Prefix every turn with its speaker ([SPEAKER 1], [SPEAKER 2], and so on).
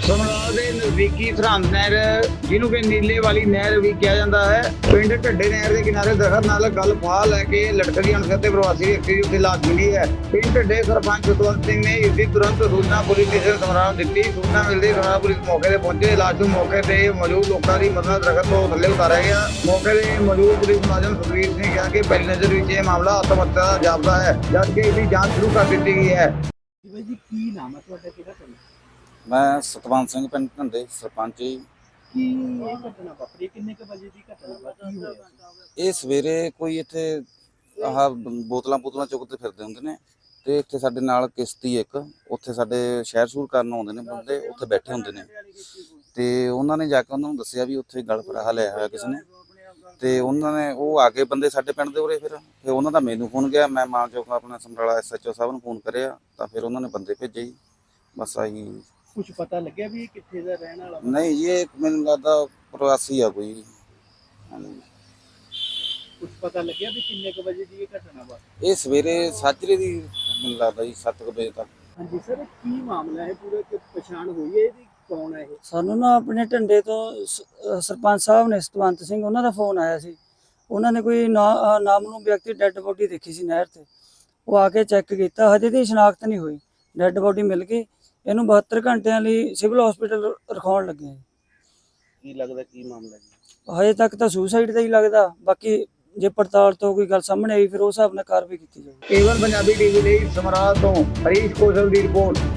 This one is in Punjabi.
[SPEAKER 1] ਸਮਰਾਲ ਦੇ ਨਜ਼ਦੀਕੀ ਸਰਹੰਦ ਨਹਿਰ ਜਿਹਨੂੰ ਕਿ ਨੀਲੇ ਵਾਲੀ ਨਹਿਰ ਵੀ ਕਿਹਾ ਜਾਂਦਾ ਹੈ, ਪਿੰਡ ਢੱਡੇ ਨਹਿਰ ਦੇ ਕਿਨਾਰੇ ਦਰਖਤ ਨਾਲ ਗੱਲ ਫਾਹ ਲੈ ਕੇ ਲਟਕਦੀ ਅਣਸੁਰੱਖਿਅਤ ਪ੍ਰਵਾਸੀ ਵਿਅਕਤੀ ਦੀ ਉੱਥੇ ਲਾਸ਼ ਮਿਲੀ ਹੈ। ਪਿੰਡ ਢੱਡੇ ਸਰਪੰਚ ਸਤਵੰਤ ਸਿੰਘ ਨੇ ਇਸ ਦੀ ਤੁਰੰਤ ਸੂਚਨਾ ਪੁਲਿਸ ਸਟੇਸ਼ਨ ਸਮਰਾਲ ਨੂੰ ਦਿੱਤੀ। ਸੂਚਨਾ ਮਿਲਦੇ ਸਮਰਾਲ ਪੁਲਿਸ ਮੌਕੇ ਤੇ ਪਹੁੰਚੇ। ਲਾਸ਼ ਨੂੰ ਮੌਕੇ ਤੇ ਮੌਜੂਦ ਲੋਕਾਂ ਦੀ ਮਦਦ ਦਰਖਤ ਤੋਂ ਥੱਲੇ ਉਤਾਰਿਆ ਗਿਆ। ਮੌਕੇ ਤੇ ਮੌਜੂਦ ਪੁਲਿਸ ਮੁਲਾਜ਼ਮ ਸੁਖਵੀਰ ਸਿੰਘ ਨੇ ਕਿਹਾ ਕਿ ਪਹਿਲੀ ਨਜ਼ਰ ਵਿੱਚ ਇਹ ਮਾਮਲਾ ਆਤਮ ਹੱਤਿਆ ਦਾ ਜਾਪਦਾ ਹੈ, ਜਦਕਿ ਇਸ ਦੀ ਜਾਂਚ ਸ਼ੁਰੂ ਕਰ ਦਿੱਤੀ ਗਈ ਹੈ।
[SPEAKER 2] ਜੀ ਕੀ ਨਾਮ ਹੈ ਤੁਹਾਡਾ, ਕਿਹੜਾ ਪਿੰਡ?
[SPEAKER 3] ਮੈਂ ਸਤਵੰਤ ਸਿੰਘ ਪਿੰਡ ਢੰਡੇ ਸਰਪੰਚ ਜੀ।
[SPEAKER 2] ਕੀ ਇਹ ਘਟਨਾ ਵਾਪਰੀ, ਕਿੰਨੇ ਕ ਵਜੇ ਦੀ ਘਟਨਾ ਵਾ, ਕੀ ਹੋਇਆ?
[SPEAKER 3] ਇਹ ਸਵੇਰੇ ਕੋਈ ਇੱਥੇ ਆਹ ਬੋਤਲਾਂ ਚੁੱਕਦੇ ਫਿਰਦੇ ਹੁੰਦੇ ਨੇ ਤੇ ਇੱਥੇ ਸਾਡੇ ਨਾਲ ਕਿਸ਼ਤੀ ਇੱਕ ਉੱਥੇ ਸਾਡੇ ਸ਼ਹਿਰ ਸ਼ੂਰ ਕਰਨ ਆਉਂਦੇ ਨੇ ਬੰਦੇ, ਉੱਥੇ ਬੈਠੇ ਹੁੰਦੇ ਨੇ ਤੇ ਉਹਨਾਂ ਨੇ ਜਾ ਕੇ ਉਹਨਾਂ ਨੂੰ ਦੱਸਿਆ ਵੀ ਉੱਥੇ ਗਲ ਫਰਾਹਾ ਲਿਆ ਹੋਇਆ ਕਿਸੇ ਨੇ ਤੇ ਉਹਨਾਂ ਨੇ ਉਹ ਆ ਕੇ ਬੰਦੇ ਸਾਡੇ ਪਿੰਡ ਦੇ ਉਰੇ ਫਿਰ ਉਹਨਾਂ ਦਾ ਮੈਨੂੰ ਫੋਨ ਗਿਆ। ਮੈਂ ਮਾਨ ਚੌਕ ਆਪਣਾ ਸਮਰਾਲਾ SHO ਸਾਹਿਬ ਨੂੰ ਫੋਨ ਕਰਿਆ ਤਾਂ ਫਿਰ ਉਹਨਾਂ ਨੇ ਬੰਦੇ ਭੇਜੇ ਜੀ। ਬਸ ਆਹੀ
[SPEAKER 2] ਕੁਝ ਪਤਾ ਲੱਗਿਆ ਵੀ ਇਹ ਕਿੱਥੇ ਦਾ ਰਹਿਣ ਵਾਲਾ?
[SPEAKER 3] ਨਹੀਂ ਜੀ, ਇਹ ਮੈਨੂੰ ਲੱਗਦਾ ਪ੍ਰਵਾਸੀ ਆ ਕੋਈ।
[SPEAKER 2] ਕੁਝ ਪਤਾ ਲੱਗਿਆ ਵੀ ਕਿੰਨੇ ਕ ਵਜੇ ਦੀ ਇਹ ਘਟਨਾ ਵਾ?
[SPEAKER 3] ਇਹ ਸਵੇਰੇ ਸਾਜਰੇ ਦੀ ਮੈਨੂੰ ਲੱਗਦਾ ਜੀ 7 ਵਜੇ ਤੱਕ।
[SPEAKER 2] ਹਾਂਜੀ ਸਰ, ਕੀ ਮਾਮਲਾ ਹੈ ਪੂਰਾ, ਕਿ ਪਛਾਣ ਹੋਈ ਹੈ ਇਹਦੀ, ਕੌਣ ਹੈ ਇਹ?
[SPEAKER 4] ਸਾਨੂੰ ਨਾ ਆਪਣੇ ਢੰਡੇ ਤੋਂ ਸਰਪੰਚ ਸਾਹਿਬ ਨੇ ਸਤਵੰਤ ਸਿੰਘ, ਉਹਨਾਂ ਦਾ ਫੋਨ ਆਇਆ ਸੀ। ਉਹਨਾਂ ਨੇ ਕੋਈ ਨਾਮਲੂਮ ਵਿਅਕਤੀ ਡੈੱਡ ਬੋਡੀ ਦੇਖੀ ਸੀ ਨਹਿਰ ਤੇ। ਉਹ ਆ ਕੇ ਚੈੱਕ ਕੀਤਾ, ਹਜੇ ਦੀ ਸ਼ਨਾਖਤ ਨਹੀਂ ਹੋਈ। ਡੈੱਡ ਬੋਡੀ ਮਿਲ ਗਈ, ਇਹਨੂੰ 72 ਘੰਟਿਆਂ ਲਈ ਸਿਵਲ ਹਸਪੀਟਲ ਰਖਾਉਣ ਲੱਗੇ।
[SPEAKER 2] ਕੀ ਲੱਗਦਾ ਕੀ ਮਾਮਲਾ ਜੀ?
[SPEAKER 4] ਹਜੇ ਤੱਕ ਤਾਂ ਸੁਸਾਈਡ ਦਾ ਹੀ ਲੱਗਦਾ, ਬਾਕੀ ਜੇ ਪੜਤਾਲ ਤੋਂ ਕੋਈ ਗੱਲ ਸਾਹਮਣੇ ਆਈ ਫਿਰ ਉਸ ਹਿਸਾਬ ਨਾਲ ਕਾਰਵਾਈ ਕੀਤੀ ਜਾਊਗੀ।
[SPEAKER 1] ਏਵਨ ਪੰਜਾਬੀ ਟੀਵੀ ਲਈ ਸਮਰਾਲ ਤੋਂ ਹਰੀਸ਼ ਕੌਸ਼ਲ ਦੀ ਰਿਪੋਰਟ।